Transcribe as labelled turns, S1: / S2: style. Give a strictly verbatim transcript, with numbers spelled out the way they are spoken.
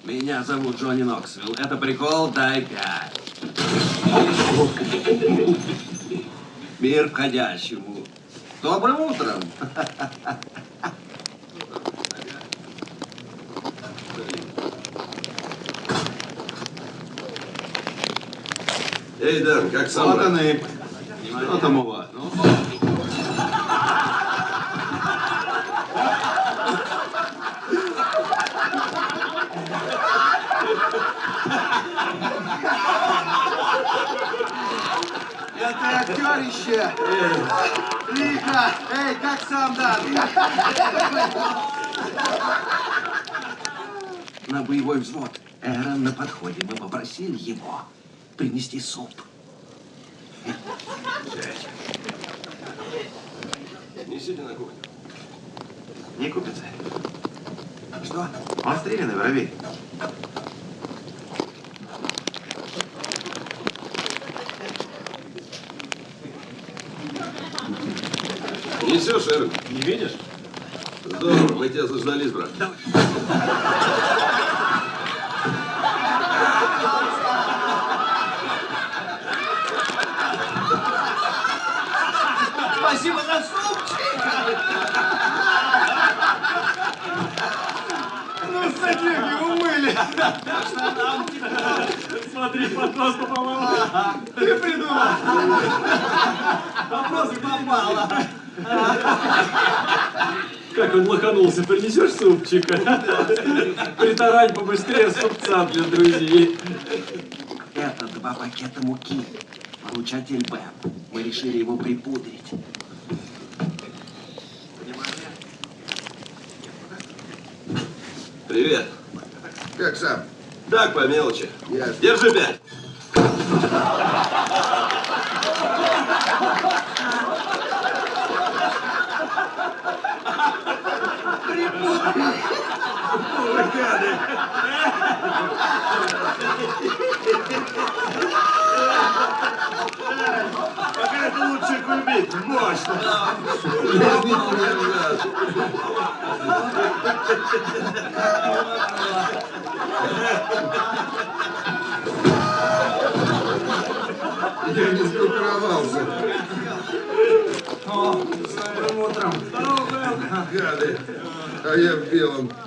S1: Меня зовут Джонни Ноксвилл. Это прикол, дай пять. Мир входящему. Добрым утром.
S2: Эй, Дэн, как сам?
S1: Вот он и... Что там у вас? Ну?
S3: Это актерище! Лихо! Эй, как сам, Дан?
S1: На боевой взвод. Эрон на подходе. Мы попросили его принести суп.
S2: Несите на кухню.
S3: Не купится. Что? Он стрелянный воробей.
S2: Несешь, Эрон?
S1: Не видишь?
S2: Здорово, мы тебя заждались, брат.
S1: Давай. Спасибо за супчик!
S3: Ну, садик, его умыли!
S1: Смотри, вопрос попал.
S3: Ты придумал!
S1: Вопрос попало. Как он лоханулся, принесешь супчика? Притарань побыстрее супца для друзей. Это два пакета муки. Получатель Б. Мы решили его припудрить.
S2: Привет.
S3: Как сам?
S2: Так, по мелочи.
S3: Ясно.
S2: Держи пять.
S3: Пока это лучше кульбит. Мощно.
S2: Я не сгруппировался.
S3: О, с добрым утром.
S2: Гады. А я в белом.